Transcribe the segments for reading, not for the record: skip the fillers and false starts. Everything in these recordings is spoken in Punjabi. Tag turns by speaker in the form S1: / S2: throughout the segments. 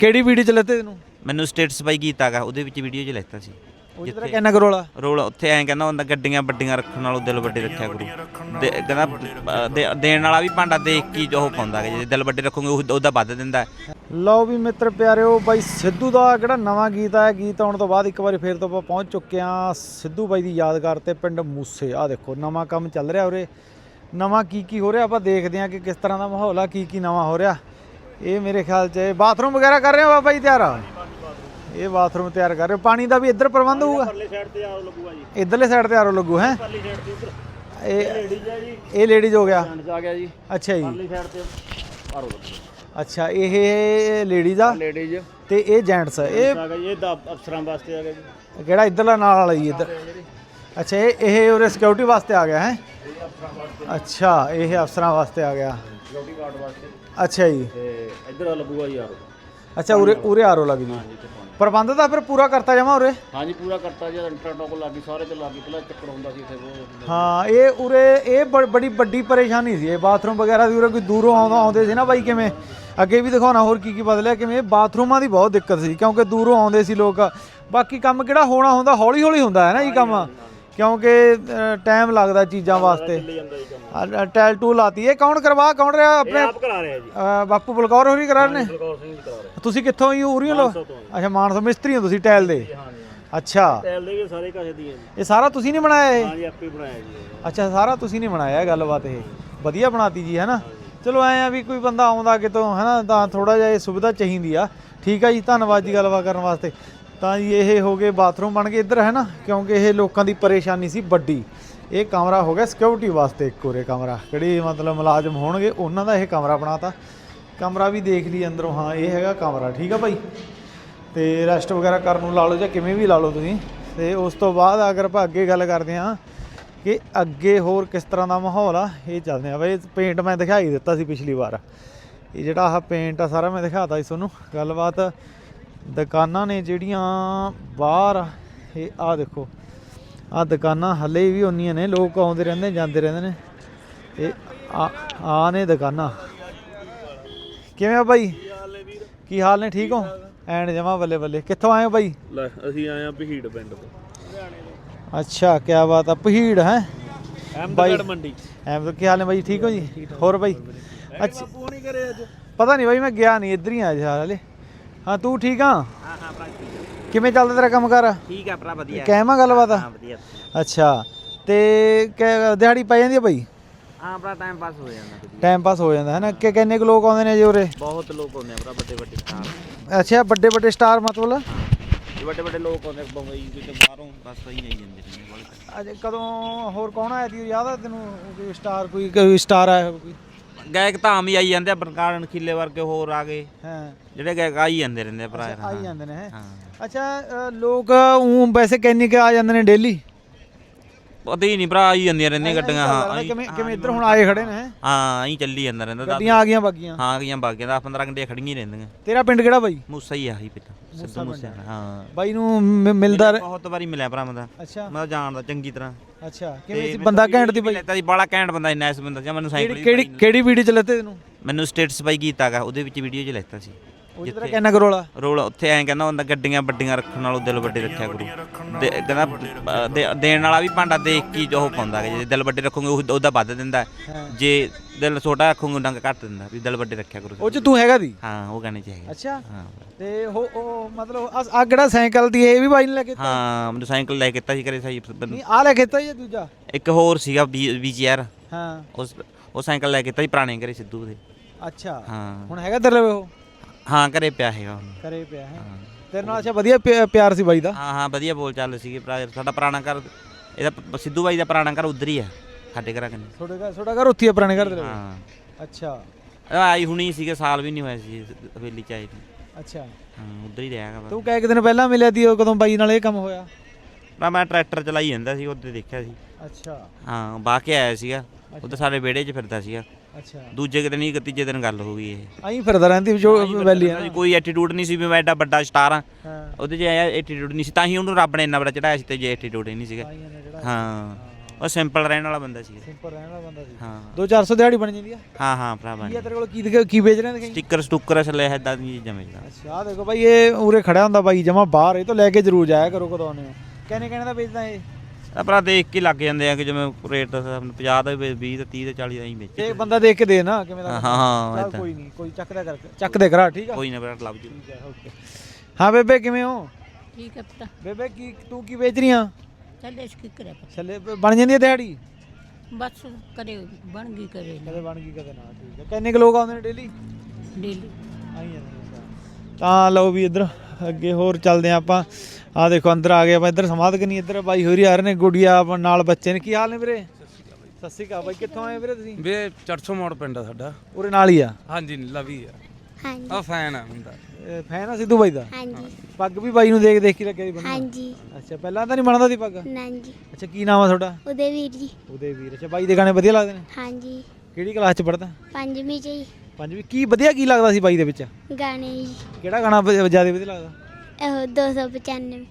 S1: ਕਿਹੜੀ ਵੀਡੀਓ 'ਚ ਲੈਤੇ ਤੈਨੂੰ?
S2: ਮੈਨੂੰ ਸਟੇਟਸ ਬਾਈ ਕੀਤਾ ਗਾ, ਉਹਦੇ ਵਿੱਚ ਵੀਡੀਓ 'ਚ ਲੈਤਾ ਸੀ।
S1: ਜਿੱਥੇ ਕਿੰਨਾ ਕਰੋਲਾ
S2: ਰੋਲ ਉੱਥੇ ਐਂ ਕਹਿੰਦਾ ਹੁੰਦਾ ਗੱਡੀਆਂ ਵੱਡੀਆਂ ਰੱਖਣ ਨਾਲੋਂ ਦਿਲ ਵੱਡੇ ਰੱਖਿਆ ਕਰੂ। ਕਹਿੰਦਾ ਦੇਣ ਵਾਲਾ ਵੀ ਭਾਂਡਾ ਦੇਖ ਕੇ ਉਹ ਪਾਉਂਦਾ, ਜੇ ਦਿਲ ਵੱਡੇ ਰੱਖੋਗੇ ਉਹਦਾ ਵੱਧ ਦਿੰਦਾ।
S1: ਲਓ ਵੀ ਮਿੱਤਰ ਪਿਆਰਿਓ, ਬਾਈ ਸਿੱਧੂ ਦਾ ਜਿਹੜਾ ਨਵਾਂ ਗੀਤ ਆਇਆ, ਗੀਤ ਆਉਣ ਤੋਂ ਬਾਅਦ ਇੱਕ ਵਾਰੀ ਫੇਰ ਤੋਂ ਆਪਾਂ ਪਹੁੰਚ ਚੁੱਕੇ ਹਾਂ ਸਿੱਧੂ ਬਾਈ ਦੀ ਯਾਦਗਾਰ ਤੇ ਪਿੰਡ ਮੂਸੇ। ਆਹ ਦੇਖੋ ਨਵਾਂ ਕੰਮ ਚੱਲ ਰਿਹਾ ਉਰੇ, ਨਵਾਂ ਕੀ ਹੋ ਰਿਹਾ ਆਪਾਂ ਦੇਖਦੇ ਹਾਂ ਕਿ ਕਿਸ ਤਰ੍ਹਾਂ ਦਾ ਮਾਹੌਲ ਆ, ਕੀ ਨਵਾਂ ਹੋ ਰਿਹਾ। ਇਹ ਮੇਰੇ ਖਿਆਲ 'ਚ ਬਾਥਰੂਮ ਵਗੈਰਾ ਕਰ ਰਹੇ ਹੋ ਬਾਬਾ ਜੀ ਤਿਆਰ ਆ? ਇਹ ਬਾਥਰੂਮ ਤਿਆਰ ਕਰ ਰਹੇ ਹੋ। ਪਾਣੀ ਦਾ ਵੀ ਇੱਧਰ ਪ੍ਰਬੰਧ ਹੋਊਗਾ? ਇੱਧਰਲੇ ਸਾਈਡ ਤੇ ਆਰੋ ਲੱਗੂ ਹੈ। ਇਹ ਲੇਡੀਜ਼ ਹੋ ਗਿਆ ਜੀ। ਅੱਛਾ ਜੀ, ਅੱਛਾ ਇਹ ਲੇਡੀਜ਼ ਆ ਤੇ ਇਹ ਜੈਂਟਸ ਆ। ਇਹ
S3: ਅਫਸਰਾਂ ਵਾਸਤੇ ਆ ਗਿਆ ਜੀ।
S1: ਕਿਹੜਾ ਇੱਧਰਲਾ ਨਾਲ ਵਾਲਾ ਜੀ ਇੱਧਰ? ਅੱਛਾ ਇਹ ਉਰੇ ਸਿਕਿਉਰਿਟੀ ਵਾਸਤੇ ਆ ਗਿਆ ਹੈ। ਅੱਛਾ ਇਹ ਅਫਸਰਾਂ ਵਾਸਤੇ ਆ ਗਿਆ।
S3: ਸਿਕਿਉਰਿਟੀ ਗਾਰਡ ਵਾਸਤੇ।
S1: ਅੱਛਾ ਜੀ,
S3: ਤੇ ਇੱਧਰ ਲੱਗੂਗਾ ਜੀ ਆਰੋ।
S1: ਅੱਛਾ ਉਰੇ ਆਰੋ ਲੱਗ ਜੀ। ਪ੍ਰਬੰਧ ਤਾਂ ਫਿਰ ਪੂਰਾ ਕਰਤਾ ਜਾਵਾਂ ਉਰੇ?
S3: ਹਾਂਜੀ ਪੂਰਾ ਕਰਤਾ ਜੀ। ਇੰਟਰਟੋਕ ਲੱਗੀ, ਸਾਰੇ ਤੇ ਲੱਗੀ, ਪਹਿਲਾਂ ਚੱਕਰ ਹੁੰਦਾ ਸੀ ਇੱਥੇ।
S1: ਹਾਂ ਇਹ ਉਰੇ ਇਹ ਬੜੀ ਵੱਡੀ ਪਰੇਸ਼ਾਨੀ ਸੀ ਇਹ ਬਾਥਰੂਮ ਵਗੈਰਾ ਦੀ। ਉਰੇ ਕੋਈ ਦੂਰੋਂ ਆਉਂਦੇ ਸੀ ਨਾ ਬਾਈ, ਕਿਵੇਂ ਅੱਗੇ ਵੀ ਦਿਖਾਉਣਾ ਹੋਰ ਕੀ ਬਦਲਿਆ, ਕਿਵੇਂ ਬਾਥਰੂਮਾਂ ਦੀ ਬਹੁਤ ਦਿੱਕਤ ਸੀ ਕਿਉਂਕਿ ਦੂਰੋਂ ਆਉਂਦੇ ਸੀ ਲੋਕ। ਬਾਕੀ ਕੰਮ ਕਿਹੜਾ ਹੋਣਾ ਹੁੰਦਾ ਹੌਲੀ ਹੁੰਦਾ ਹੈ ਨਾ ਜੀ ਕੰਮ, ਕਿਉਂਕਿ ਟਾਈਮ ਲੱਗਦਾ ਚੀਜ਼ਾਂ ਵਾਸਤੇ। ਟੈਲ ਟੂ ਲਾਤੀ। ਇਹ ਕੌਣ ਰਿਹਾ ਆਪਣੇ?
S3: ਆਪ ਕਰਾ ਰਿਹਾ ਜੀ,
S1: ਬਾਪੂ ਬਲਕੌਰ ਹੋਰੀ ਕਰਾ ਰਹੇ ਨੇ।
S3: ਬਲਕੌਰ ਸਿੰਘ ਜੀ ਕਰਾ ਰਿਹਾ।
S1: ਤੁਸੀਂ ਕਿੱਥੋਂ ਹੀ ਉਰੀਓ ਲੋ? ਅੱਛਾ ਮਾਨਸਾ ਮਿਸਤਰੀ ਹੋ ਤੁਸੀਂ ਟੈਲ ਦੇ? ਅੱਛਾ
S3: ਟੈਲ ਦੇ ਵੀ ਸਾਰੇ ਕਾਸੇ ਦੀ ਹੈ ਜੀ।
S1: ਇਹ ਸਾਰਾ ਤੁਸੀਂ ਨਹੀਂ ਬਣਾਇਆ ਇਹ?
S3: ਹਾਂਜੀ ਆਪੇ ਬਣਾਇਆ ਜੀ।
S1: ਅੱਛਾ ਸਾਰਾ ਤੁਸੀਂ ਨਹੀਂ ਬਣਾਇਆ। ਗੱਲਬਾਤ ਇਹ ਵਧੀਆ ਬਣਾਤੀ ਜੀ ਹੈ ਨਾ। ਚਲੋ ਐਂ ਆ ਵੀ ਕੋਈ ਬੰਦਾ ਆਉਂਦਾ ਕਿਤੋਂ ਹੈ ਨਾ ਤਾਂ ਥੋੜਾ ਜਿਹਾ ਇਹ ਸੁਵਿਧਾ ਚਾਹੀਦੀ ਆ। ਠੀਕ ਆ ਜੀ, ਧੰਨਵਾਦ ਜੀ ਗੱਲਬਾਤ ਕਰਨ ਵਾਸਤੇ। ਤਾਂ ਜੀ ਇਹ ਹੋ ਗਏ ਬਾਥਰੂਮ ਬਣ ਗਏ ਇੱਧਰ ਹੈ ਨਾ, ਕਿਉਂਕਿ ਇਹ ਲੋਕਾਂ ਦੀ ਪਰੇਸ਼ਾਨੀ ਸੀ ਵੱਡੀ। ਇਹ ਕਮਰਾ ਹੋ ਗਿਆ ਸਿਕਿਉਰਿਟੀ ਵਾਸਤੇ ਇੱਕ ਉਰੇ ਕਮਰਾ, ਕਿਹੜੇ ਮਤਲਬ ਮੁਲਾਜ਼ਮ ਹੋਣਗੇ ਉਹਨਾਂ ਦਾ ਇਹ ਕਮਰਾ ਬਣਾਤਾ। ਕਮਰਾ ਵੀ ਦੇਖ ਲਈ ਅੰਦਰੋਂ, ਹਾਂ ਇਹ ਹੈਗਾ ਕਮਰਾ। ਠੀਕ ਆ ਭਾਈ, ਤੇ ਰੈਸਟ ਵਗੈਰਾ ਕਰਨ ਨੂੰ ਲਾ ਲਓ ਜਾਂ ਕਿਵੇਂ ਵੀ ਲਾ ਲਓ ਤੁਸੀਂ। ਤੇ ਉਸ ਤੋਂ ਬਾਅਦ ਅਗਰ ਆਪਾਂ ਅੱਗੇ ਗੱਲ ਕਰਦੇ ਹਾਂ ਕਿ ਅੱਗੇ ਹੋਰ ਕਿਸ ਤਰ੍ਹਾਂ ਦਾ ਮਾਹੌਲ ਆ, ਇਹ ਚੱਲਦੇ ਆ ਬਾਈ। ਪੇਂਟ ਮੈਂ ਦਿਖਾਈ ਦਿੱਤਾ ਸੀ ਪਿਛਲੀ ਵਾਰ, ਇਹ ਜਿਹੜਾ ਆਹ ਪੇਂਟ ਆ ਸਾਰਾ ਮੈਂ ਦਿਖਾਤਾ ਸੀ ਤੁਹਾਨੂੰ। ਗੱਲਬਾਤ ਦੁਕਾਨਾਂ ਨੇ ਜਿਹੜੀਆਂ ਬਾਹਰ, ਇਹ ਆਹ ਦੇਖੋ ਆਹ ਦੁਕਾਨਾਂ ਹਲੇ ਵੀ ਉਨੀਆਂ ਨੇ, ਲੋਕ ਆਉਂਦੇ ਰਹਿੰਦੇ ਜਾਂਦੇ ਰਹਿੰਦੇ ਨੇ। ਇਹ ਆ ਨੇ ਦੁਕਾਨਾਂ। ਕਿਵੇਂ ਆ ਬਾਈ, ਕੀ ਹਾਲ ਨੇ? ਠੀਕ ਹੋ? ਐਨ ਜਮਾ ਬੱਲੇ ਬੱਲੇ। ਕਿੱਥੋਂ ਆਏ ਹੋ ਬਾਈ?
S3: ਅਸੀਂ ਆਏ ਆ ਪਹੀੜ ਪਿੰਡ ਤੋਂ।
S1: ਅੱਛਾ ਕਿਆ ਬਾਤ ਆ, ਪਹੀੜ ਹੈ
S3: ਅਹਿਮਦਗੜ੍ਹ ਮੰਡੀ।
S1: ਕੀ ਹਾਲ ਨੇ ਬਾਈ? ਠੀਕ ਹੋ ਜੀ? ਹੋਰ ਬਾਈ? ਅੱਛਾ ਪਤਾ ਨਹੀਂ ਬਾਈ, ਮੈਂ ਗਿਆ ਨਹੀਂ, ਇੱਧਰ ਹੀ ਆ ਜੀ ਹਾਲੇ। ਹਾਂ ਤੂੰ ਠੀਕ ਆ? ਕਿਵੇਂ ਚੱਲਦਾ ਤੇਰਾ ਕੰਮ ਕਾਰ?
S2: ਠੀਕ ਆ ਭਰਾ, ਵਧੀਆ।
S1: ਕਹਿਮਾ ਗੱਲਬਾਤ ਆ?
S2: ਵਧੀਆ।
S1: ਅੱਛਾ ਤੇ ਦਿਹਾੜੀ ਪੈ ਜਾਂਦੀ ਆ ਬਾਈ?
S2: ਹਾਂ ਭਰਾ, ਟਾਈਮ ਪਾਸ ਹੋ ਜਾਂਦਾ।
S1: ਟਾਈਮ ਪਾਸ ਹੋ ਜਾਂਦਾ ਹੈ ਨਾ। ਕਿੰਨੇ ਕੁ ਲੋਕ ਆਉਂਦੇ ਨੇ ਜੀ ਉਰੇ?
S2: ਬਹੁਤ ਲੋਕ ਆਉਂਦੇ ਆ ਭਰਾ, ਵੱਡੇ ਸਟਾਰ।
S1: ਅੱਛਾ ਵੱਡੇ ਸਟਾਰ ਮਤਲਬ?
S2: ਵੱਡੇ ਲੋਕ ਆਉਂਦੇ ਬੰਬਈ ਕਿਤੇ ਬਾਹਰੋਂ, ਬਸ ਸਹੀ ਨਹੀਂ ਜਾਂਦੇ ਨੇ।
S1: ਅਜੇ ਕਦੋਂ ਹੋਰ ਕੌਣ ਆਇਆ ਸੀ ਯਾਦ ਆ ਤੈਨੂੰ? ਕੋਈ ਸਟਾਰ ਕੋਈ ਸਟਾਰ ਆਇਆ ਕੋਈ?
S2: ਗਾਇਕ ਤਾਂ ਆਮ ਹੀ ਆਈ ਜਾਂਦੇ ਆ, ਬਰਕਾਰ ਨਖੀਲੇ ਵਰਗੇ ਹੋਰ ਆ ਗਏ।
S1: ਹਾਂ
S2: ਜਿਹੜੇ ਗਾਇਕ ਆਈ ਜਾਂਦੇ ਰਹਿੰਦੇ ਆ ਭਰਾ।
S1: ਆਈ ਜਾਂਦੇ ਨੇ।
S2: ਹਾਂ
S1: ਅੱਛਾ ਲੋਕ ਵੈਸੇ ਕਿੰਨੇ ਕੁ ਆ ਜਾਂਦੇ ਨੇ ਡੇਲੀ?
S2: ਪਤਾ ਹੀ ਨਹੀਂ ਭਰਾ, ਆਈ ਜਾਂਦੀਆਂ ਰਹਿੰਦੀਆਂ ਗੱਡੀਆਂ। ਹਾਂ
S1: ਕਿਵੇਂ ਇੱਧਰ ਹੁਣ ਆਏ ਖੜੇ ਨੇ?
S2: ਹਾਂ ਐਂ ਚੱਲੀ ਜਾਂਦਾ ਰਹਿੰਦਾ।
S1: ਗੱਡੀਆਂ ਆ ਗਈਆਂ ਬਾਗੀਆਂ?
S2: ਹਾਂ ਗਈਆਂ ਬਾਗੀਆਂ, 10-15 ਘੰਟੇ ਖੜੀਆਂ ਹੀ ਰਹਿੰਦੀਆਂ।
S1: ਤੇਰਾ ਪਿੰਡ ਕਿਹੜਾ ਬਾਈ?
S2: ਮੂਸਾ ਹੀ ਆਹੀ ਪਿੱਛਾ, ਸਿੱਧੂ ਮੂਸੇ। ਹਾਂ
S1: ਬਾਈ ਨੂੰ ਮਿਲਦਾ
S2: ਬਹੁਤ ਵਾਰੀ ਮਿਲਿਆ ਭਰਾ ਮੈਂ।
S1: ਅੱਛਾ
S2: ਮੈਂ ਜਾਣਦਾ ਚੰਗੀ ਤਰ੍ਹਾਂ।
S1: ਅੱਛਾ ਕਿਵੇਂ ਸੀ ਬੰਦਾ? ਘੈਂਟ ਦੀ ਬਾਈ?
S2: ਲੈਤਾ ਸੀ ਬਾਲਾ ਘੈਂਟ ਬੰਦਾ, ਇੰਨਾ ਇਸ ਬੰਦਾ ਜਾਂ ਮੈਨੂੰ ਸਾਈਕਲ।
S1: ਕਿਹੜੀ ਵੀਡੀਓ ਚ ਲੈਤੇ ਤੈਨੂੰ?
S2: ਮੈਨੂੰ ਸਟੇਟਸ ਬਾਈ ਕੀਤਾ ਗਾ, ਉਹਦੇ ਵਿੱਚ ਵੀਡੀਓ 'ਚ ਲੈਤਾ ਸੀ।
S1: ਜਿੱਥੇ ਕਿੰਨਾ ਕਰੋਲਾ
S2: ਰੋਲ ਉੱਥੇ ਐਂ ਕਹਿੰਦਾ ਹੁੰਦਾ ਗੱਡੀਆਂ ਵੱਡੀਆਂ ਰੱਖਣ ਨਾਲੋਂ ਦਿਲ ਵੱਡੇ ਰੱਖਿਆ ਕਰੂ। ਕਹਿੰਦਾ ਦੇਣ ਵਾਲਾ ਵੀ ਭਾਂਡਾ ਦੇਖ ਕੇ ਉਹ ਪਾਉਂਦਾ, ਜੇ ਦਿਲ ਵੱਡੇ ਰੱਖੋਗੇ ਉਹਦਾ ਵੱਧ ਦਿੰਦਾ, ਜੇ ਦਿਲ ਛੋਟਾ ਰੱਖੋਗੇ ਡੰਗ ਘੱਟ ਦਿੰਦਾ। ਵੀ ਦਿਲ ਵੱਡੇ ਰੱਖਿਆ ਕਰੋ।
S1: ਉਹ ਚ ਤੂੰ ਹੈਗਾ ਦੀ?
S2: ਹਾਂ ਉਹ ਗਾਣੇ 'ਚ ਹੈਗਾ।
S1: ਅੱਛਾ ਤੇ ਉਹ ਮਤਲਬ ਆ ਕਿਹੜਾ ਸਾਈਕਲ ਦੀ ਇਹ ਵੀ ਬਾਈ ਨੇ ਲੈ ਕੇ?
S2: ਹਾਂ ਮੈਨੂੰ ਸਾਈਕਲ ਲੈ ਕੇ ਦਿੱਤਾ ਸੀ ਘਰੇ ਸਾਈ।
S1: ਨਹੀਂ ਆ ਲੈ ਕੇ ਦਿੱਤਾ ਜਾਂ ਦੂਜਾ?
S2: ਇੱਕ ਹੋਰ ਸੀਗਾ VGR।
S1: ਹਾਂ
S2: ਉਹ ਸਾਈਕਲ ਲੈ ਕੇ ਦਿੱਤਾ ਸੀ ਪੁਰਾਣੇ ਘਰੇ ਸਿੱਧੂ ਦੇ।
S1: ਅੱਛਾ
S2: ਹਾਂ
S1: ਹੁਣ ਹੈਗਾ ਤੇਰੇ ਲਵੇ ਉਹ?
S2: ਹਾਂ ਘਰੇ ਪਿਆ ਹੈਗਾ ਹੁਣ।
S1: ਘਰੇ ਪਿਆ ਹੈ ਤੇਰੇ ਨਾਲ? ਅੱਛਾ ਵਧੀਆ ਪਿਆਰ ਸੀ ਬਾਈ ਦਾ?
S2: ਹਾਂ ਵਧੀਆ ਬੋਲ ਚੱਲ ਸੀਗੇ ਭਰਾ। ਸਾਡਾ ਪੁਰਾਣਾ ਘਰ, ਇਹਦਾ ਸਿੱਧੂ ਬਾਈ ਦਾ ਪੁਰਾਣਾ ਘਰ ਉੱਧਰ ਹੀ ਆ ਸਾਡੇ ਘਰਾਂ ਕੰਨੇ।
S1: ਤੁਹਾਡਾ ਘਰ ਉੱਥੇ ਆ ਪੁਰਾਣੇ ਘਰ ਦੇ?
S2: ਹਾਂ
S1: ਅੱਛਾ
S2: ਆਈ ਹੁਣੀ ਸੀਗੇ, ਸਾਲ ਵੀ ਨਹੀਂ ਹੋਇਆ ਸੀ ਹਵੇਲੀ 'ਚ ਆਏ ਨੂੰ।
S1: ਅੱਛਾ
S2: ਹਾਂ ਉੱਧਰ ਹੀ ਰਿਹਾ।
S1: ਤੂੰ ਕਹਿ ਦਿਨ ਪਹਿਲਾਂ ਮਿਲਿਆ ਤੀ? ਉਹ ਕਦੋਂ ਬਾਈ ਨਾਲ ਇਹ ਕੰਮ ਹੋਇਆ?
S2: ਮੈਂ ਟਰੈਕਟਰ ਚਲਾਈ ਜਾਂਦਾ ਸੀ, ਉੱਧਰ ਦੇਖਿਆ ਸੀ।
S1: ਅੱਛਾ
S2: ਹਾਂ ਬਾਹ ਕੇ ਆਇਆ ਸੀਗਾ, ਉੱਧਰ ਸਾਡੇ ਵਿਹੜੇ 'ਚ ਫਿਰਦਾ ਸੀਗਾ।
S1: ਅੱਛਾ
S2: ਦੂਜੇ ਕਿਤੇ ਨਹੀਂ, ਤੀਜੇ ਦਿਨ ਗੱਲ ਹੋ ਗਈ ਇਹ।
S1: ਆਈ ਫਿਰਦਾ ਰਹਿੰਦੀ ਜੋ ਵੈਲੀ ਹੈ।
S2: ਕੋਈ ਐਟੀਟਿਊਡ ਨਹੀਂ ਸੀ ਵੀ ਮੈਂ ਐਡਾ ਵੱਡਾ ਸਟਾਰ ਆ।
S1: ਹਾਂ
S2: ਉਹਦੇ 'ਚ ਐਟੀਟਿਊਡ ਨਹੀਂ ਸੀ, ਤਾਂ ਹੀ ਉਹਨੂੰ ਰੱਬ ਨੇ ਇੰਨਾ ਬੜਾ ਚੜਾਇਆ ਸੀ। ਤੇ ਜੇ ਐਟੀਟਿਊਡ ਹੀ ਨਹੀਂ ਸੀਗਾ। ਹਾਂ ਉਹ ਸਿੰਪਲ ਰਹਿਣ ਵਾਲਾ ਬੰਦਾ ਸੀ।
S1: ਸਿੰਪਲ ਰਹਿਣ ਵਾਲਾ ਬੰਦਾ ਸੀ।
S2: ਹਾਂ
S1: 2-400 ਦਿਹਾੜੀ ਬਣ ਜਾਂਦੀ ਆ।
S2: ਹਾਂ ਭਰਾਵਾ
S1: ਕੀ ਆ ਤੇਰੇ ਕੋਲ ਕੀ ਵੇਚ ਰਹੇ ਨੇ?
S2: ਸਟicker ਸਟੂਕਰ ਅਸਲੇ ਇਦਾਂ ਦੀ ਚੀਜ਼ਾਂ ਵੇਚਦਾ।
S1: ਅੱਛਾ ਆਹ ਦੇਖੋ ਬਾਈ ਇਹ ਉਰੇ ਖੜਿਆ ਹੁੰਦਾ ਬਾਈ ਜਮਾ ਬਾਹਰ, ਇਹ ਤੋਂ ਲੈ ਕੇ ਜ਼ਰੂਰ ਜਾਇਆ ਕਰੋ ਕਦੋਂ ਆਉਂਦੇ ਹੋ। ਕਹਿਣੇ ਦਾ ਵੇਚਦਾ ਇਹ
S2: ਆਪਣਾ ਦੇਖ ਕੇ ਲੱਗ ਜਾਂਦੇ ਆ ਕਿ ਜਿਵੇਂ ਰੇਟ 50 ਦਾ 20 ਤੇ 30 ਤੇ 40 ਦਾ ਹੀ ਵੇਚ।
S1: ਇਹ ਬੰਦਾ ਦੇਖ ਕੇ ਦੇ ਨਾ ਕਿਵੇਂ ਦਾ।
S2: ਹਾਂ
S1: ਚੱਲ ਕੋਈ ਨਹੀਂ, ਕੋਈ ਚੱਕ ਦੇ ਕਰਾ ਠੀਕ ਆ।
S2: ਕੋਈ ਨਾ ਬੇਟਾ ਲੱਭ ਜੂ।
S1: ਠੀਕ ਹੈ ਓਕੇ। ਹਾਂ ਬੇਬੇ ਕਿਵੇਂ ਹੋ?
S4: ਠੀਕ ਹੈ ਪਤਾ
S1: ਬੇਬੇ ਤੂੰ ਕੀ ਵੇਚ ਰਹੀ ਆ?
S4: ਚੱਲੇ ਇਸ ਕੀ ਕਰੇ
S1: ਛੱਲੇ ਬਣ ਜਾਂਦੀ ਹੈ ਦਿਹਾੜੀ?
S4: ਬਸ ਕਰੇ ਬਣ ਗਈ ਕਰੇ
S1: ਕਦੇ ਬਣ ਗਈ ਕਦੇ ਨਾ। ਠੀਕ ਹੈ ਕਿੰਨੇ ਕੁ ਲੋਕ ਆਉਂਦੇ ਨੇ ਡੇਲੀ?
S4: ਡੇਲੀ
S1: ਆਈ ਜਾਂਦੇ। ਤਾਂ ਲਓ ਵੀ ਇੱਧਰ ਅੱਗੇ ਹੋਰ ਚੱਲਦੇ ਆ ਆਪਾਂ। ਆ ਦੇਖੋ ਅੰਦਰ ਆ ਗਏ ਆਪਾਂ, ਇੱਧਰ ਸਮਾਧ ਕਰਨੀ। ਇੱਧਰ ਬਾਈ ਹੋਰੀ ਆ ਰਹੇ ਨੇ, ਗੁੜੀਆ ਨਾਲ ਬੱਚੇ ਨੇ। ਕੀ ਹਾਲ ਨੇ ਵੀਰੇ? ਸਤਿ ਸ਼੍ਰੀ ਅਕਾਲ ਬਾਈ। ਕਿੱਥੋਂ ਆਏ ਵੀਰੇ ਤੁਸੀਂ?
S5: ਵੇ 400 ਮੋੜ ਪਿੰਡ ਆ ਸਾਡਾ।
S1: ਉਰੇ ਨਾਲ ਹੀ ਆ?
S5: ਹਾਂਜੀ ਲਵੀ ਆ।
S6: ਹਾਂਜੀ
S5: ਆ ਫੈਨ ਆ ਮੁੰਡਾ।
S1: ਫੈਨ ਆ ਸਿੱਧੂ ਬਾਈ ਦਾ?
S6: ਹਾਂਜੀ
S1: ਪੱਗ ਵੀ ਬਾਈ ਨੂੰ ਦੇਖ ਕੇ ਲੱਗਿਆ ਜੀ ਬੰਦਾ?
S6: ਹਾਂਜੀ
S1: ਅੱਛਾ ਪਹਿਲਾਂ ਤਾਂ ਨਹੀਂ ਬਣਦਾ ਸੀ ਪੱਗ?
S6: ਨਾਂਜੀ
S1: ਅੱਛਾ ਕੀ ਨਾਮ ਆ ਤੁਹਾਡਾ?
S6: ਉਹਦੇ ਵੀਰ ਜੀ।
S1: ਉਹਦੇ ਵੀਰ। ਅੱਛਾ ਬਾਈ ਦੇ ਗਾਣੇ ਵਧੀਆ ਲੱਗਦੇ ਨੇ?
S6: ਹਾਂਜੀ
S1: ਕਿਹੜੀ ਕਲਾਸ ਚ ਪੜਦਾ?
S6: 5ਵੀਂ ਚ ਜੀ।
S1: 5ਵੀਂ। ਕੀ ਵਧੀਆ ਕੀ ਲੱਗਦਾ ਸੀ ਬਾਈ ਦੇ ਵਿੱਚ?
S6: ਗਾਣੇ ਜੀ
S1: ਕਿਹੜਾ ਗਾਣਾ ਜ਼ਿਆਦਾ ਵਧੀਆ ਲੱਗਦਾ?
S6: ਇਹੋ 295।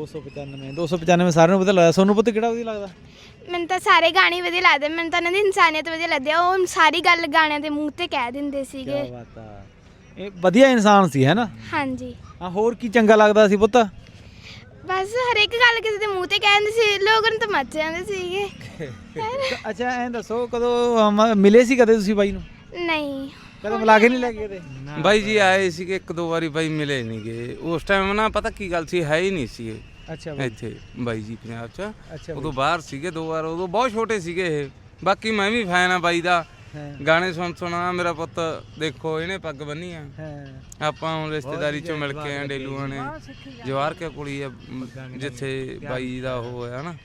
S1: 295 ਸਾਰਿਆਂ ਨੂੰ ਵਧੀਆ ਲੱਗਦਾ। ਸੋਨੂੰ ਪੁੱਤ ਕਿਹੜਾ ਵਧੀਆ ਲੱਗਦਾ?
S7: ਮੈਨੂੰ ਤਾਂ ਸਾਰੇ ਗਾਣੇ ਵਧੀਆ ਲੱਗਦੇ, ਮੈਨੂੰ ਤਾਂ ਉਹਨਾਂ ਦੀ ਇਨਸਾਨੀਅਤ ਵਧੀਆ ਲੱਗਦੀ ਆ। ਉਹ ਸਾਰੀ ਗੱਲ ਗਾਣਿਆਂ ਦੇ ਮੂੰਹ ਤੇ ਕਹਿ ਦਿੰਦੇ ਸੀਗੇ।
S1: ਕੀ ਬਾਤ ਆ। ਇਹ ਵਧੀਆ ਇਨਸਾਨ ਸੀ ਹੈ ਨਾ?
S7: ਹਾਂਜੀ
S1: ਹਾਂ ਹੋਰ ਕੀ ਚੰਗਾ ਲੱਗਦਾ ਸੀ ਪੁੱਤ?
S7: ਬਸ ਹਰੇਕ ਗੱਲ ਕਿਸੇ ਦੇ ਮੂੰਹ ਤੇ ਕਹਿ ਦਿੰਦੇ ਸੀ, ਲੋਕਾਂ ਨੂੰ ਤਾਂ ਮੱਚ ਜਾਂਦੇ ਸੀਗੇ।
S1: ਅੱਛਾ ਐਂ ਦੱਸੋ ਕਦੋਂ ਮਿਲੇ ਸੀ ਕਦੇ ਤੁਸੀਂ ਬਾਈ ਨੂੰ?
S7: ਨਹੀਂ
S1: ਕਦੇ ਮਿਲਾ ਕੇ ਨਹੀਂ ਲੈ ਕੇ ਕਦੇ?
S5: ਬਾਈ ਜੀ ਆਏ ਸੀਗੇ ਇੱਕ ਦੋ ਵਾਰੀ, ਬਾਈ ਮਿਲੇ ਨਹੀਂ ਗਏ ਉਸ ਟਾਈਮ ਨਾ। ਪਤਾ ਕੀ ਗੱਲ ਸੀ, ਹੈ ਹੀ ਨਹੀਂ ਸੀ ਇਹ
S1: ਅੱਛਾ ਬਾਈ।
S5: ਇੱਥੇ ਬਾਈ ਜੀ ਪੰਜਾਬ 'ਚ।
S1: ਅੱਛਾ
S5: ਉਦੋਂ ਬਾਹਰ ਸੀਗੇ 2 ਵਾਰ, ਉਦੋਂ ਬਹੁਤ ਛੋਟੇ ਸੀਗੇ ਇਹ। ਬਾਕੀ ਮੈਂ ਵੀ ਫੈਨ ਆ ਬਾਈ ਦਾ। ਗਾਣੇ ਸੁਣਾ ਮੇਰਾ ਪੁੱਤ ਦੇਖੋ ਇਹਨੇ ਪੱਗ ਬੰਨੀ ਆ। ਆਪਾਂ ਹੁਣ ਰਿਸ਼ਤੇਦਾਰੀ ਚੋਂ ਮਿਲ ਕੇ ਆ ਡੇਲੂਆਂ ਨੇ। ਜਵਾਰ ਕੇ ਕੁੜੀ ਆ ਜਿੱਥੇ ਬਾਈ ਦਾ ਉਹ ਹੋਇਆ ਨਾ।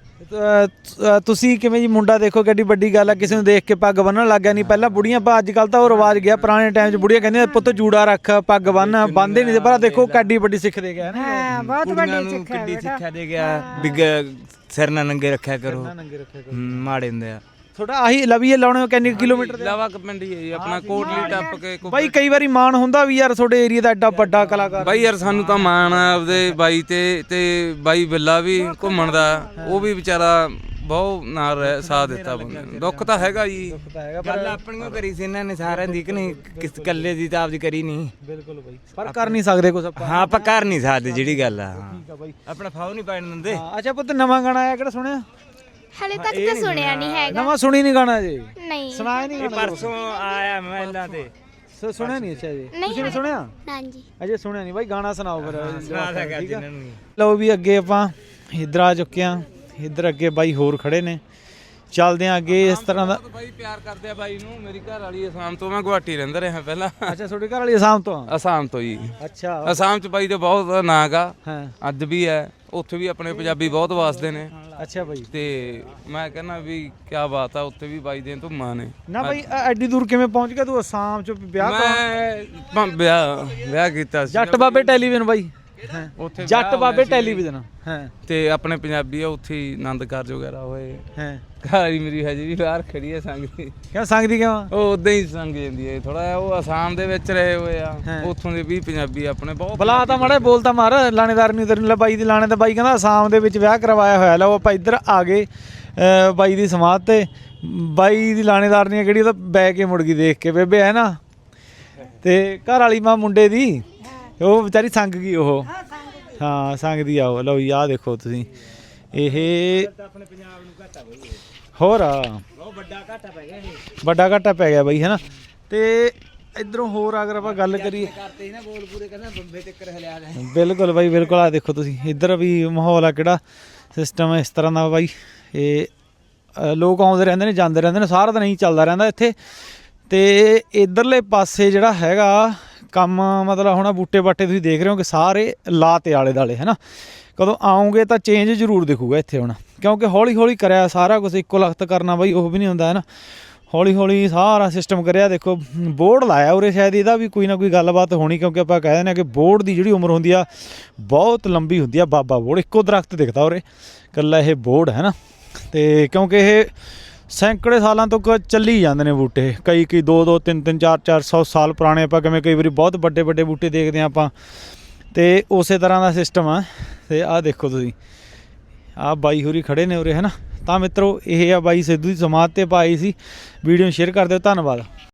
S1: ਤੁਸੀਂ ਕਿਵੇਂ ਜੀ? ਮੁੰਡਾ ਦੇਖੋ ਕਿੱਡੀ ਵੱਡੀ ਗੱਲ ਆ, ਕਿਸੇ ਨੂੰ ਦੇਖ ਕੇ ਪੱਗ ਬੰਨਣ ਲੱਗ ਗਿਆ। ਨਹੀਂ ਪਹਿਲਾਂ ਬੁੜੀਆਂ ਅੱਜ ਕੱਲ ਤਾਂ ਉਹ ਰਿਵਾਜ ਗਿਆ। ਪੁਰਾਣੇ ਟਾਈਮ 'ਚ ਬੁੜੀਆਂ ਕਹਿੰਦੀਆਂ ਪੁੱਤ ਜੂੜਾ ਰੱਖ, ਪੱਗ ਬੰਨ੍ਹਦੇ ਨਹੀਂ ਸੀ। ਪਰ ਦੇਖੋ ਕਿੱਡੀ ਵੱਡੀ ਸਿੱਖ ਦੇ ਗਿਆ ਨਾ।
S8: ਬਹੁਤ ਵੱਡੀ ਸਿੱਖਿਆ ਦੇ ਗਿਆ ਵੀ ਸਿਰ ਨਾ ਨੰਗੇ ਰੱਖਿਆ ਕਰੋ, ਮਾੜੇ ਹੁੰਦੇ ਆ।
S1: ਤੁਹਾਡਾ ਆਹੀ ਲਵੀਏ ਲਾਉਣੇ ਕਿੰਨੇ ਕਿਲੋਮੀਟਰ ਦੇ?
S5: ਲਾਵਾ ਪਿੰਡ ਹੀ ਹੈ ਜੀ ਆਪਣਾ, ਕੋਟਲੀ ਟੱਪ ਕੇ।
S1: ਬਾਈ ਕਈ ਵਾਰੀ ਮਾਣ ਹੁੰਦਾ ਵੀ ਯਾਰ ਤੁਹਾਡੇ ਏਰੀਆ ਦਾ ਐਡਾ ਵੱਡਾ ਕਲਾਕਾਰ।
S5: ਬਾਈ ਯਾਰ ਸਾਨੂੰ ਤਾਂ ਮਾਣ ਆ ਆਪਦੇ ਬਾਈ ਤੇ ਬਾਈ ਬਿੱਲਾ ਵੀ ਘੁੰਮਣ ਦਾ, ਉਹ ਵੀ ਵਿਚਾਰਾ ਬਹੁਤ ਨਾਲ ਸਾਥ ਦਿੱਤਾ ਬੰਦੇ ਨੂੰ। ਦੁੱਖ ਤਾਂ ਹੈਗਾ ਜੀ।
S8: ਗੱਲ ਆਪਣੀਆਂ ਕਰੀ ਸੀ ਇਹਨਾਂ ਨੇ ਸਾਰਿਆਂ ਦੀ, ਕਿ ਨਹੀਂ ਕਿਸ ਇਕੱਲੇ ਦੀ ਤਾਂ ਆਪਦੀ ਕਰੀ ਨਹੀਂ।
S1: ਬਿਲਕੁਲ ਬਾਈ ਪਰ ਕਰ ਨਹੀਂ ਸਕਦੇ ਕੁਝ ਆਪਾਂ।
S8: ਹਾਂ ਆਪਾਂ ਕਰ ਨਹੀਂ ਸਕਦੇ ਜਿਹੜੀ ਗੱਲ ਆ।
S1: ਠੀਕ ਆ ਬਾਈ
S8: ਆਪਣਾ ਫਾਉ ਨਹੀਂ ਪੈਣ ਦਿੰਦੇ।
S1: ਅੱਛਾ ਪੁੱਤ ਨਵਾਂ ਗਾਣਾ ਆਇਆ ਕਿਹੜਾ ਸੁਣਿਆ?
S7: ਹਲੇ ਤੱਕ ਤਾਂ ਸੁਣਿਆ ਨਹੀਂ ਹੈਗਾ।
S1: ਨਵਾਂ ਸੁਣੀ ਨਹੀਂ ਗਾਣਾ ਜੀ?
S7: ਨਹੀਂ
S1: ਸੁਣਾਇਆ ਨਹੀਂ ਗਾਣਾ?
S8: ਪਰਸੋਂ ਆਇਆ ਮਹਿਲਾਂ ਤੇ
S1: ਸੁਣਿਆ ਨਹੀਂ? ਅੱਛਾ ਜੀ
S7: ਨਹੀਂ
S1: ਤੁਸੀਂ ਨੇ ਸੁਣਿਆ?
S6: ਨਾਂਜੀ
S1: ਅਜੇ ਸੁਣਿਆ ਨਹੀਂ ਬਾਈ। ਗਾਣਾ ਸੁਣਾਓ ਫਿਰ।
S8: ਸੁਣਾ ਸਕਾ ਜਿੰਨਾਂ ਨੂੰ।
S1: ਲਓ ਵੀ ਅੱਗੇ ਆਪਾਂ ਇੱਧਰ ਆ ਚੁੱਕੇ ਆ। ਇੱਧਰ ਅੱਗੇ ਬਾਈ ਹੋਰ ਖੜੇ ਨੇ, ਚੱਲਦੇ ਆ ਅੱਗੇ। ਇਸ ਤਰ੍ਹਾਂ ਦਾ
S5: ਬਾਈ ਪਿਆਰ ਕਰਦੇ ਆ ਬਾਈ ਨੂੰ। ਮੇਰੀ ਘਰ ਵਾਲੀ ਅਸਾਮ ਤੋਂ, ਮੈਂ ਗੁਹਾਟੀ ਰਹਿੰਦਾ ਰਿਹਾ ਪਹਿਲਾਂ।
S1: ਅੱਛਾ ਤੁਹਾਡੇ ਘਰ ਵਾਲੀ ਅਸਾਮ ਤੋਂ ਆ?
S5: ਅਸਾਮ ਤੋਂ ਜੀ।
S1: ਅੱਛਾ
S5: ਅਸਾਮ ਚ ਬਾਈ ਦਾ ਬਹੁਤ ਨਾਂ ਗਾ,
S1: ਹਾਂ
S5: ਅੱਜ ਵੀ ਹੈ। ਉੱਥੇ ਵੀ ਆਪਣੇ ਪੰਜਾਬੀ ਬਹੁਤ ਵਸਦੇ ਨੇ।
S1: ਅੱਛਾ ਬਾਈ।
S5: ਤੇ ਮੈਂ ਕਹਿੰਦਾ ਵੀ ਕੀ ਬਾਤ ਆ, ਉੱਥੇ ਵੀ ਬਾਈ ਦੇ ਧੁੰਮਾਂ ਨੇ।
S1: ਨਾ ਬਾਈ ਐਡੀ ਦੂਰ ਕਿਵੇਂ ਪਹੁੰਚ ਗਿਆ ਤੂੰ ਅਸਾਮ ਚ? ਵਿਆਹ
S5: ਮੈਂ ਵਿਆਹ ਕੀਤਾ ਸੀ
S1: ਜੱਟ ਬਾਬੇ ਟੈਲੀਵਿਜ਼ਨ ਬਾਈ। ਹਾਂ
S5: ਉੱਥੇ
S1: ਜੱਟ
S5: ਵਿਆਹ
S1: ਬਾਬੇ
S5: ਹੋਇਆ ਸੀ।
S1: ਟੈਲੀਵਿਜ਼ਨ। ਹਾਂ
S5: ਤੇ ਆਪਣੇ ਪੰਜਾਬੀ ਆ ਉੱਥੇ ਹੀ ਆਨੰਦ ਕਾਰਜ ਵਗੈਰਾ ਹੋਏ।
S1: ਹਾਂ
S5: ਘਾਰੀ ਮੇਰੀ ਹਜੇ ਵੀ ਬਾਹਰ ਖੜੀ ਹੈ ਸੰਗ ਦੀ।
S1: ਕਿਉਂ ਸੰਗਦੀ ਕਿਉਂ?
S5: ਉਹ ਉਦਾਂ ਹੀ ਸੰਗ ਜਾਂਦੀ ਹੈ ਥੋੜਾ ਜਿਹਾ। ਉਹ ਅਸਾਮ ਦੇ ਵਿੱਚ ਰਹੇ ਹੋਏ ਆ, ਉੱਥੋਂ ਦੇ ਵੀ ਪੰਜਾਬੀ ਆਪਣੇ ਬਹੁਤ।
S1: ਬਲਾ ਤਾਂ ਮਾੜਾ ਬੋਲ ਤਾਂ ਮਾਰ। ਲਾਣੇਦਾਰ ਨੂੰ ਇਧਰ ਲੈ ਬਾਈ ਦੀ ਲਾਣੇ ਤਾਂ ਬਾਈ ਕਹਿੰਦਾ ਅਸਾਮ ਦੇ ਵਿੱਚ ਵਿਆਹ ਕਰਵਾਇਆ ਹੋਇਆ। ਲਓ ਆਪਾਂ ਇੱਧਰ ਆ ਗਏ ਬਾਈ ਦੀ ਸਮਾਧ ਤੇ। ਬਾਈ ਦੀ ਲਾਣੇਦਾਰ ਨਹੀਂ ਕਿਹੜੀ, ਉਹ ਤਾਂ ਬੈ ਕੇ ਮੁੜ ਗਈ ਦੇਖ ਕੇ ਬੇਬੇ ਹੈ ਨਾ। ਤੇ ਘਰ ਵਾਲੀ ਮਾਂ ਮੁੰਡੇ ਦੀ ਉਹ ਵਿਚਾਰੀ ਸੰਗ ਗਈ। ਉਹ ਹਾਂ ਸੰਗਦੀ ਆ ਉਹ। ਲਓ ਜੀ ਆਹ ਦੇਖੋ ਤੁਸੀਂ ਇਹ ਹੋਰ ਵੱਡਾ ਘਾਟਾ ਪੈ ਗਿਆ ਬਾਈ ਹੈ ਨਾ। ਤੇ ਇਧਰੋਂ ਹੋਰ ਅਗਰ ਆਪਾਂ ਗੱਲ ਕਰੀਏ, ਬਿਲਕੁਲ ਬਾਈ ਬਿਲਕੁਲ। ਆ ਦੇਖੋ ਤੁਸੀਂ ਇੱਧਰ ਵੀ ਮਾਹੌਲ ਆ, ਕਿਹੜਾ ਸਿਸਟਮ ਹੈ ਇਸ ਤਰ੍ਹਾਂ ਦਾ ਬਾਈ। ਇਹ ਲੋਕ ਆਉਂਦੇ ਰਹਿੰਦੇ ਨੇ ਜਾਂਦੇ ਰਹਿੰਦੇ ਨੇ, ਸਾਰਾ ਦਿਨ ਹੀ ਚੱਲਦਾ ਰਹਿੰਦਾ ਇੱਥੇ। ਤੇ ਇਧਰਲੇ ਪਾਸੇ ਜਿਹੜਾ ਹੈਗਾ ਕੰਮ, ਮਤਲਬ ਹੁਣ ਬੂਟੇ ਬਾਟੇ ਤੁਸੀਂ ਦੇਖ ਰਹੇ ਹੋ ਕਿ ਸਾਰੇ ਲਾ ਤੇ ਆਲੇ ਦੁਆਲੇ ਹੈ ਨਾ। ਕਦੋਂ ਆਉਂਗੇ ਤਾਂ ਚੇਂਜ ਜ਼ਰੂਰ ਦਿਖੂਗਾ ਇੱਥੇ ਹੁਣ, ਕਿਉਂਕਿ ਹੌਲੀ ਹੌਲੀ ਕਰਿਆ ਸਾਰਾ ਕੁਝ। ਇੱਕੋ ਲਖਤ ਕਰਨਾ ਬਾਈ ਉਹ ਵੀ ਨਹੀਂ ਹੁੰਦਾ ਹੈ ਨਾ। ਹੌਲੀ ਹੌਲੀ ਸਾਰਾ ਸਿਸਟਮ ਕਰਿਆ। ਦੇਖੋ ਬੋਰਡ ਲਾਇਆ ਉਰੇ, ਸ਼ਾਇਦ ਇਹਦਾ ਵੀ ਕੋਈ ਨਾ ਕੋਈ ਗੱਲਬਾਤ ਹੋਣੀ, ਕਿਉਂਕਿ ਆਪਾਂ ਕਹਿ ਦਿੰਦੇ ਹਾਂ ਕਿ ਬੋਰਡ ਦੀ ਜਿਹੜੀ ਉਮਰ ਹੁੰਦੀ ਆ ਬਹੁਤ ਲੰਬੀ ਹੁੰਦੀ ਆ। ਬਾਬਾ ਬੋਰਡ ਇੱਕੋ ਦਰਖਤ ਦਿਖਦਾ ਉਰੇ ਇਕੱਲਾ ਇਹ ਬੋਰਡ ਹੈ ਨਾ। ਤੇ ਕਿਉਂਕਿ ਇਹ ਸੈਂਕੜੇ ਸਾਲਾਂ ਤੋਂ ਚੱਲੀ ਜਾਂਦੇ ਨੇ ਬੂਟੇ, ਕਈ 2-2 3-3 4-4 100 ਸਾਲ ਪੁਰਾਣੇ। ਆਪਾਂ ਕਿਵੇਂ ਕਈ ਵਾਰੀ ਬਹੁਤ ਵੱਡੇ ਵੱਡੇ ਬੂਟੇ ਦੇਖਦੇ ਹਾਂ ਆਪਾਂ, ਤੇ ਉਸੇ ਤਰ੍ਹਾਂ ਦਾ ਸਿਸਟਮ ਆ। ਤੇ ਆਹ ਦੇਖੋ ਤੁਸੀਂ ਆਹ ਬਾਈ ਹੋਰੀ ਖੜੇ ਨੇ ਉਰੇ ਹੈ ਨਾ। ਤਾਂ ਮਿੱਤਰੋ ਇਹ ਆ ਬਾਈ ਸਿੱਧੂ ਦੀ ਸਮਾਧ ਤੇ ਪਾਈ ਸੀ ਵੀਡੀਓ ਨੂੰ ਸ਼ੇਅਰ ਕਰ ਦਿਓ ਧੰਨਵਾਦ।